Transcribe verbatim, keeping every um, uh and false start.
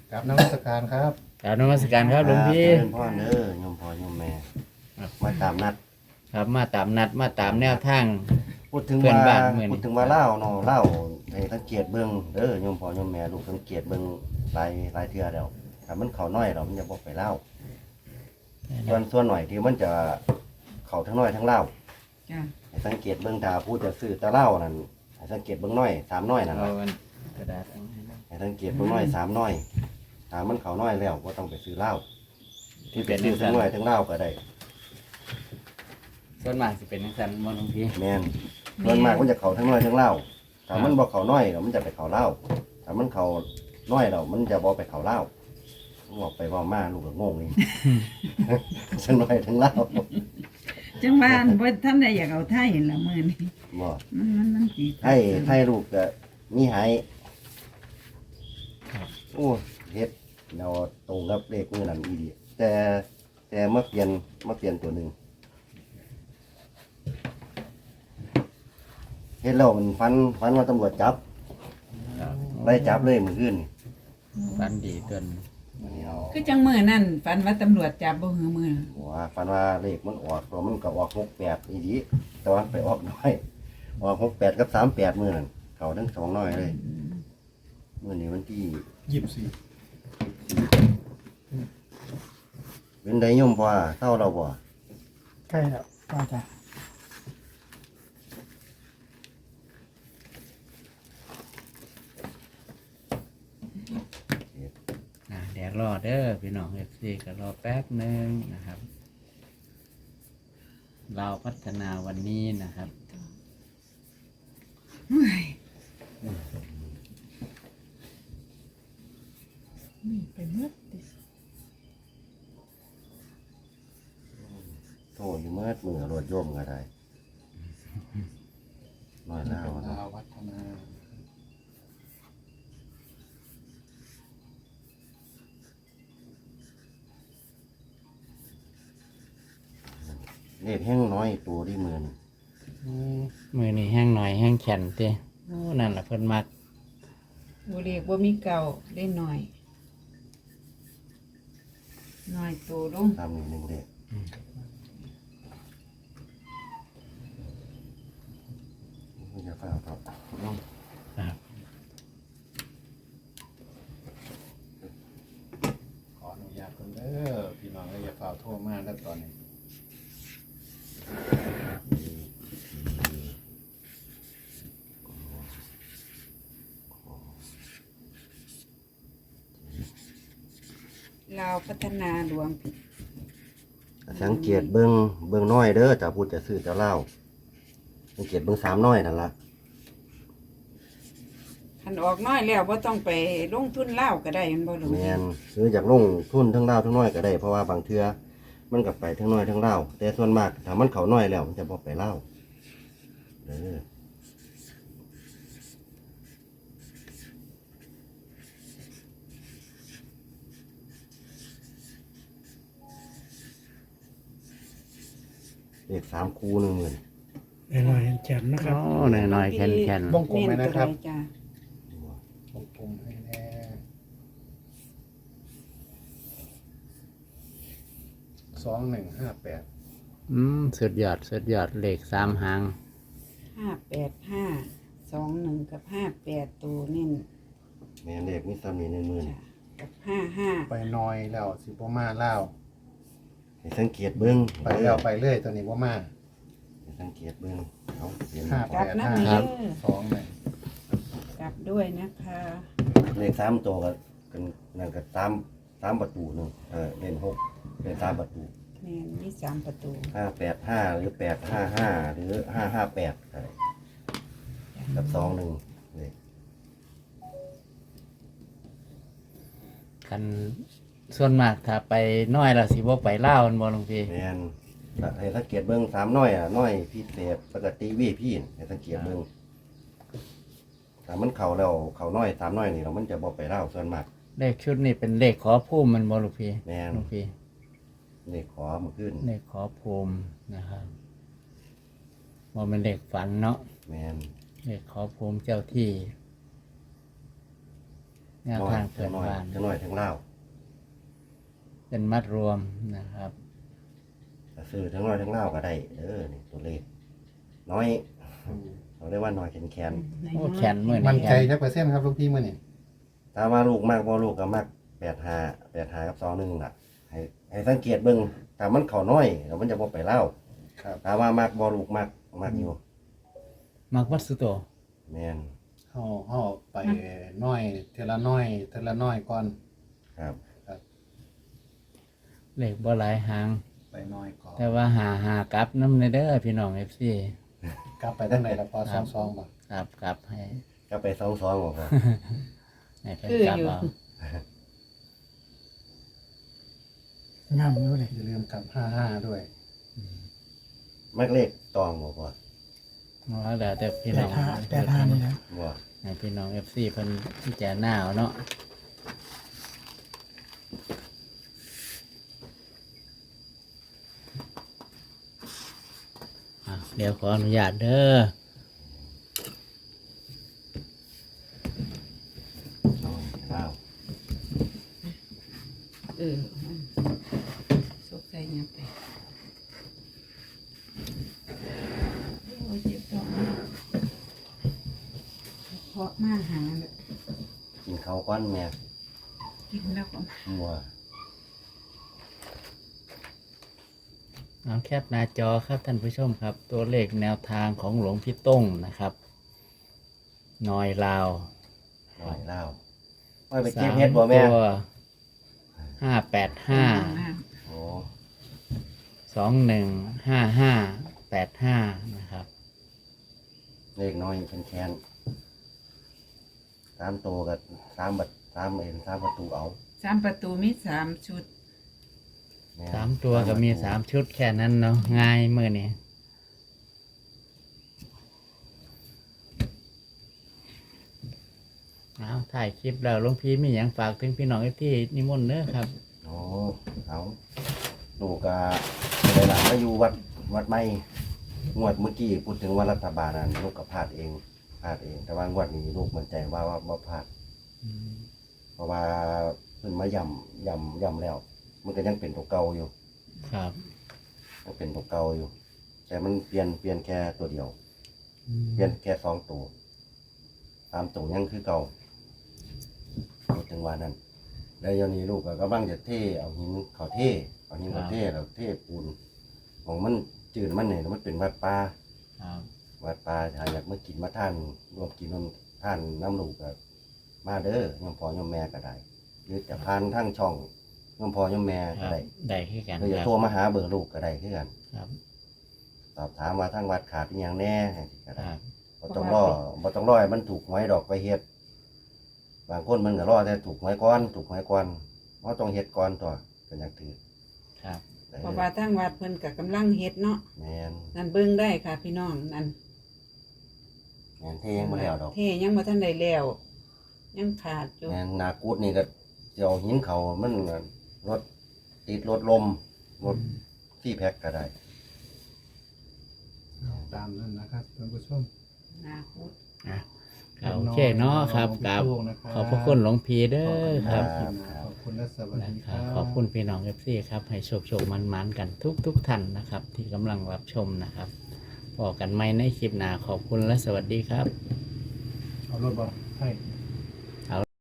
กับนมัสการครับกราบนมัสการครับหลวงพี่เจริญพ่อเด้อโยมพ่อโยมแม่มาตามนัดครับมาตามนัดมาตามแนวทางพูดถึงเพื่อนว่าบ้านเมืองพูดถึงว่าเล่าเนาะเล่าให้สังเกตเบิ่งเด้อโยมพ่อโยมแม่ลูกสังเกตเบิ่งหลายหลายเทื่อแล้วถ้ามันเข้าน้อยเรามันจะบ่ไปเล่าส่วนส่วนหน่อยที่มันจะเข้าทั้งน้อยทั้งเล่าจ้ะให้สังเกตเบิ่งถ้าผู้จะซื้อแตะเล่านั่นให้สังเกตเบิ่งน้อยสามน้อยนั่นเอาล่ะอันกระดาษเอาให้นะให้สังเกตเบิ่งน้อยสามน้อยถ้ามันเข้าน้อยแล้วบ่ต้องไปซื้อเหล้าที่ไปเป็นซื้นัอก ทั้งน้อยทั้งเหล้าก็ได้ส่วนมากสิเป็นนักสันมหลวงพี่แม่นส่วนมากมันจะเข้าทั้งน้อยทั้งเหล้าถ้ามันบ่เข้าน้อยแล้วมันจะไปเข้าเหล้าถ้ามันเข้าน้อยแล้วมันจะบ่ไปเข้าเหล้าบอกไปว่ามาลูกก็งงนี่ ทั้งน้อยทั้งเหล้าจังว่าอันบ่ท่านได้อยากเอาไทยละมื้อนี้บ่มันมันมันสิให้ให้ลูกก็มีให้โอ้เฮ็ดเนาตรงกับเลขมื้อนั้นอีดีแต่แต่มาเปลี่ยนมาเปลี่ยนตัวหนึงเฮ็ดแล้วมันฟันฟันว่าตำรวจจับครับไล่จับเลยมื้อคืนนี่ฟันดีจนอันนี้เอาคือจังมื้อนั้นฝันว่าตำรวจจับบ่หือมื้อนั้นหัวฟันว่าเลขมันออกตัวมันก็ออกหกแปดอีดีแต่ว่าไปออกน้อยออกหกแปดกับสามแปดมื้อนั้นเขาทั้งสองน้อยเลยมื้อนี้วันที่ยี่สิบสี่เป็นไดโยมพ่อเศร้าเราบ่ใกล้แล้วป้าจ้ะนะเดี๋ยวรอเด้อพี่น้องเอฟซีก็รอแป๊บหนึงนะครับ เราพัฒนาวันนี้นะครับเฮ้ยมีไปหมดติโทษอยู่เมื่อมือรถโยมก็ได้น้อยแล้วเป็นนะดาววัฒนาเลขแห้งน้อยตัวที่มือนี่มือนี่แห้งหน่อยแห้งแข็งเต้โอ้นั่นแหละเพิ่นมักบ่เรียกบ่มีเก่าได้หน่อยน้อยโตลงทำนี่หนึ่งเลขมันจะฟ้าครับครับขออนุญาตคนเด้อพี่น้องอย่าฝ่าโทรมาแล้วตอนนี้ลาวพัฒนาหลวงผิดสังเกตเบิ้งเบิ้งน้อยเด้อจะพูดจะซื้อจะเล่าสังเกตเบิ้งสามน้อยนั่นละคันออกน้อยแล้วบ่ต้องไปลงทุนลาวก็ได้แม่นบ่หลวงแมนซื้อจากลงทุนทั้งเล่าทั้งน้อยก็ได้เพราะว่าบางเทื่อมันกับไปทั้งน้อยทั้งเล่าแต่ส่วนมากถ้ามันเขาน้อยแล้วมันจะบอกไปเล่าเด้อเลขสามคูหนึ่งหมื่นหน่อยๆแจ่มนะครับโอ้หน่อยหน่อยๆแข็งแข็งวงกลมไหมนะครับเน้นตัวใดจ้ะวงกลมให้แน่สองหนึ่งห้าแปดอืมสุดยอดสุดยอดเลขสามหางห้าแปดห้าสองหนึ่งกับห้าแปดตัวนี่แม่นเลขมีสามีหนึ่งหมื่นจ้ะกับห้าห้าไปน้อยแล้วสิบ่มาเล่าวให้สังเกตเบิ้งไปแล้วไปเรื่อยตัวนี้บ่มาให้สังเกตเบิ้งเอาเห็นห้ากแปลับดนะห้าเด้อสองหนึ่งกลับด้วยนะคะเลขสามตัวก็กันนั่นก็สามสามประตูหนึ่งเออเล่นหกเป็นสามประตูแม่นมีสามประตูห้าแปดห้าหรือแปดห้าห้าหรือห้าห้าแปดอะไรกับสองหนึ่งเลยกันส่วนมากถ้าไปน้อยและสิบ่ไปเล่าวมันบ่หลวงพี่แมนให้สังเกตเบิ้งสามน้อยอ่ะน้อยพิเศษปกติวีพี่ให้สังเกตเบิ้งถ้ามันเข่าแล้วเข่าน้อยสามน้อยนี่เรามันจะบอกไปเล่าส่วนมากเลขชุดนี้เป็นเลขขอภูมิมันบ่หลวงพี่แม่นหลวงพี่เลขขอมาขึ้นเลขขอภูมินะครับบ่เป็นเลขฝันเนาะแมนเลขขอภูมิเจ้าที่แนวน้อยทางเปิทั้ดงน้อยบ้านทั้งน้อยทั้งเล่าวเป็นมัดรวมนะครับก็ซื้อทั้งน้อยทั้งเล่าวก็ได้เด้อนี่ตัวเลขน้อยเราเรียกว่าน้อยแขนแขนโอ้แขนมือมันนี่ใจจักเปอร์เซ็นต์ครับลูกพี่มื้อนี้ถ้าว่าลูกมากบ่ลูกก็มากแปดห้าแปดห้ากับสองหนึ่งล่ะ ให้ให้สังเกตเบิ่งถ้ามันเข้าน้อยแล้วมันจะบ่ไปเล่าครับถ้าว่ามากบ่ลูกมากมากอยู่มักวัดสุโตแม่นเฮาเฮาไปน้อยเทอละน้อยเทอละน้อยก่อนครับเลขบ่หลายหางไปน้อยก่อนแต่ว่าหาหากลับน้ำในเด้อพี่น้อง เอฟ ซีกลับไปทางไหนล่ะพอสองสองบ่ครับกลับให้ก็ไปสองสองบ่พอให้เพิ่นคือกลับอยู่เอางามอยู่เลยอย่าลืมกลับห้าห้าด้วยมักเลขตองบ่พอว่าแล้วแต่พี่แปน้อดงห้าแปดห้านี่นะบ่ให้พี่น้อง เอฟ ซี เพิ่นพิจารณาเอาเนาะอ่ะเดี๋ยวขออนุญาตเด้อน้อยเล่าวเออสกใจยังไปโอ้ยเจ็บท้องมากเพราะมาหาแบบกินข้าวก้อนแม่กินแล้วก็บ่เอาแคปหน้าจอครับท่านผู้ชมครับ ตัวเลขแนวทางของหลวงพี่ต้งนะครับนอยลาวน้อยเล่าวว่าไปเก็บเฮ็ดบ่แม่ห้าแปดห้าโอ้สองหนึ่งห้าห้าแปดห้านะครับเลขน้อยแขนๆสามตัวกับสามบัดสามเอ็นสามประตูเอาสามประตูมีสามชุดแม่นสามตัวก็มีสามชุดแค่นั้นเนาะง่ายเมื่อนี้เอาถ่ายคลิปแล้วหลวงพี่มีอย่างฝากถึงพี่น้องที่นิมนต์เนอะครับโอ้เอาลูกก็เลยหลานมาอยู่วัดวัดไม่งวดเมื่อกี้พูดถึงว่ารัฐบาลนั้นลูกก็พลาดเองพลาดเอง แต่ว่างวดนี้ลูกมั่นใจว่าว่าว่าพลาด เพราะว่าเพิ่นมาย่ำย่ำย่ำแล้ว มันก็ยังเป็นตัวเก่าอยู่ครับยังเป็นตัวเก่าอยู่ แต่มันเปลี่ยนเปลี่ยนแค่ตัวเดียว เปลี่ยนแค่สองตัวสามตัวยังคือเก่าพูดถึงว่านั้นแล้วเดี๋ยวนี้ลูกก็กำลังจะเทเอาหินเขาเทเอาหินเขาเทแล้วเทปูนของมันจืดมันเนี่ยมันเป็นวัดป่าครับวัดป่าถ้าอยากมากินมาท่านรวมกินน้ำท่านน้ำลูกก็มาเด้อยมพ่อยมแม่ก็ได้หรือจะผ่านทั้งช่องยมพ่อยมแม่คก็รับได้ได้ขึ้นกันหรือคจะรับโทรมาหาเบอร์ลูกก็ได้คือกันครับสอบถามว่าทั้งวัดขาดอหย่างแน่ก็คได้รับบ่ต้องรอบ่ต้องรอให้มันถูกหวยดอกไปเฮ็ดบางคนมันก็รอแต่ถูกหวยก่อนถูกหวยก่อนเพราะต้องเฮ็ดก่อนตัวก็อยากถือครับเออเพราะว่าทางวัดเพิ่นก็กำลังเฮ็ดเนาะแม่นนั่นเบิ่งได้ค่ะพี่น้องนั่นแม่นเทยังบ่แล้วดอกเทยังบ่ทันได้แล้วยังขาดอยู่แม่นนากูดนี่ก็สิเอาหินเขามันก็รถติดรถลมรถที่แพ็คก็ได้ตามนั้นนะครับท่านผู้ชมนาคุดอ่ะโอเคเนาะครับกับขอบพระคุณหลวงพี่เด้อครับขอบคุณและสวัสนะดีคครัรับบ ขอบคุณพี่น้องเอฟซีครับ ให้โชคโชคมันมันๆกันทุกทุกๆท่านนะครับ ที่กำลังรับชมนะครับพอกันไหมในคลิปหน้าขอบคุณและสวัสดีครับเอารถบอลให้